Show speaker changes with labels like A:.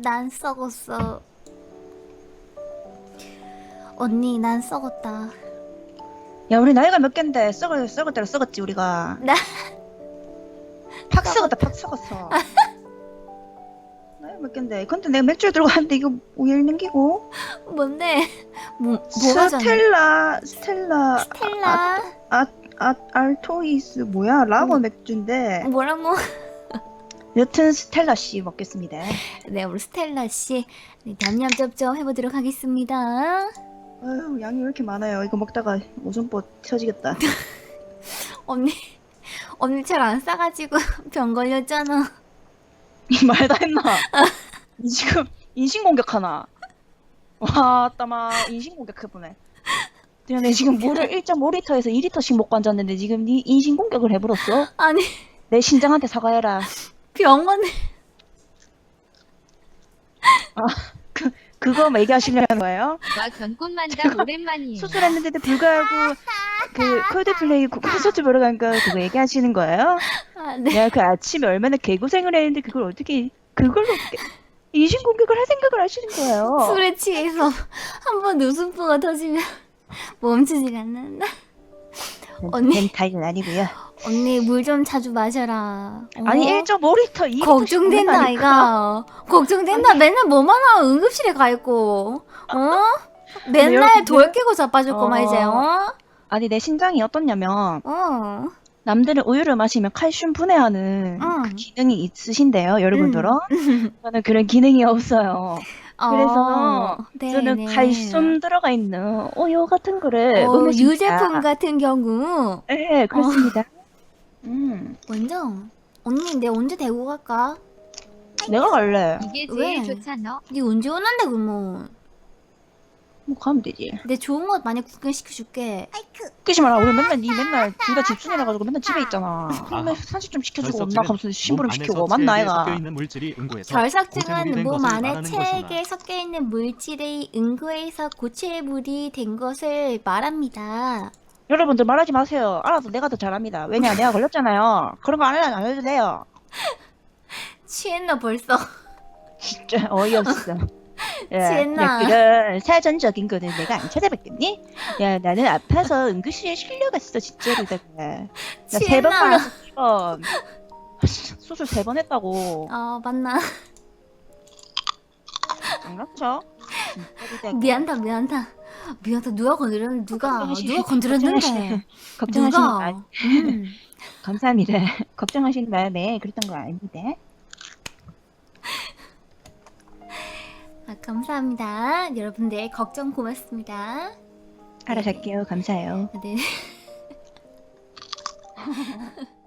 A: 난 썩었어. 언니, 난 썩었다.
B: 야, 우리 나이가 몇 갠데 썩을 대로 썩었지 우리가.
A: 나
B: 팍 썩었다, 팍 썩었어. 나이가 몇 갠데. 근데 내가 맥주를 들고 왔는데 이거 왜 넘기고?
A: 뭔데? 뭐가 잖아
B: 스텔라
A: 스텔라.
B: 알토이스 뭐야? 라거 맥주인데.
A: 뭐라고?
B: 여튼 스텔라 씨 먹겠습니다.
A: 네, 우리 스텔라 씨, 네, 냠냠쩝쩝 해보도록 하겠습니다.
B: 아유, 양이 왜 이렇게 많아요? 이거 먹다가 오줌보 터지겠다.
A: 언니 잘 안 싸가지고 병 걸렸잖아.
B: 이 말 다 했나? 니 지금 인신공격하나? 와, 따마 인신공격해보네. 내 지금 물을 1.5리터에서 2리터씩 먹고 앉았는데 지금 니 인신공격을 해버렸어?
A: 아니,
B: 내 신장한테 사과해라.
A: 병원에.
B: 그거 얘기하시려는 거예요?
C: 와 견꽃만담 오랜만이에요.
B: 수술했는데도 불구하고 그 콜드플레이 콘서트 보러 간 거 그거 얘기하시는 거예요?
A: 아, 네.
B: 내가 그 아침에 얼마나 개고생을 했는데 그걸 어떻게 그걸로 인신공격을 할 생각을 하시는 거예요?
A: 술에 취해서 한 번 웃음보가 터지면 멈추질 않는다. 언니.
B: 벤타이는 아니고요.
A: 언니 물 좀 자주 마셔라.
B: 아니 1.5리터 2리터
A: 걱정된다 아이가. 걱정된다. 맨날 뭐만 하면 응급실에 가 있고. 맨날
B: 여러분들-
A: 돌 깨고 자빠질 거만 이제.
B: 아니 내 신장이 어떻냐면
A: 어.
B: 남들은 우유를 마시면 칼슘 분해하는
A: 응.
B: 그 기능이 있으신데요, 여러분들은. 저는 그런 기능이 없어요. 그래서 저는
A: 네네.
B: 칼슘 들어가 있는 우유 같은 거를 먹는
A: 유제품 같은 경우
B: 네, 그렇습니다.
A: 완전 언니 내 언제 대구 갈까?
B: 내가 갈래.
C: 이게
A: 왜?
C: 제일 좋잖아.
A: 니 언제 오는데 그러면
B: 뭐 가면 되지.
A: 내 좋은 것 많이 구경시켜줄게.
B: 웃기지 마라. 우리 맨날 둘 다 집순이라가지고 맨날 집에 있잖아. 맨날 산책 좀 시켜주고 엄마 가면서 심부름 시키고 맞나 아이가.
A: 결석증은 몸 안에 체액에 섞여 있는 물질의 응고에서 고체물이 된 것을 말합니다.
B: 여러분들 말하지 마세요. 알아서 내가 더 잘합니다. 왜냐 내가 걸렸잖아요. 그런 거 안 해도 돼요.
A: 취했나 벌써?
B: 진짜 어이없어.
A: 취했나?
B: 그런 사전적인 거는 내가 안 찾아봤겠니? 야 나는 아파서 응급실에 실려갔어 진짜로. 나 3번
A: 취했나?
B: 걸렸어 3번. 수술 3번 했다고.
A: 맞나?
B: 안 그렇죠?
A: 미안다. 누가 건드렸는데 누가 건드렸는데
B: 걱정하시는
A: 누가?
B: 마음 감사합니다. 걱정하시는 마음에 그랬던 거 아닙니다.
A: 감사합니다. 여러분들 걱정 고맙습니다.
B: 알아서 할게요. 감사해요.
A: 네.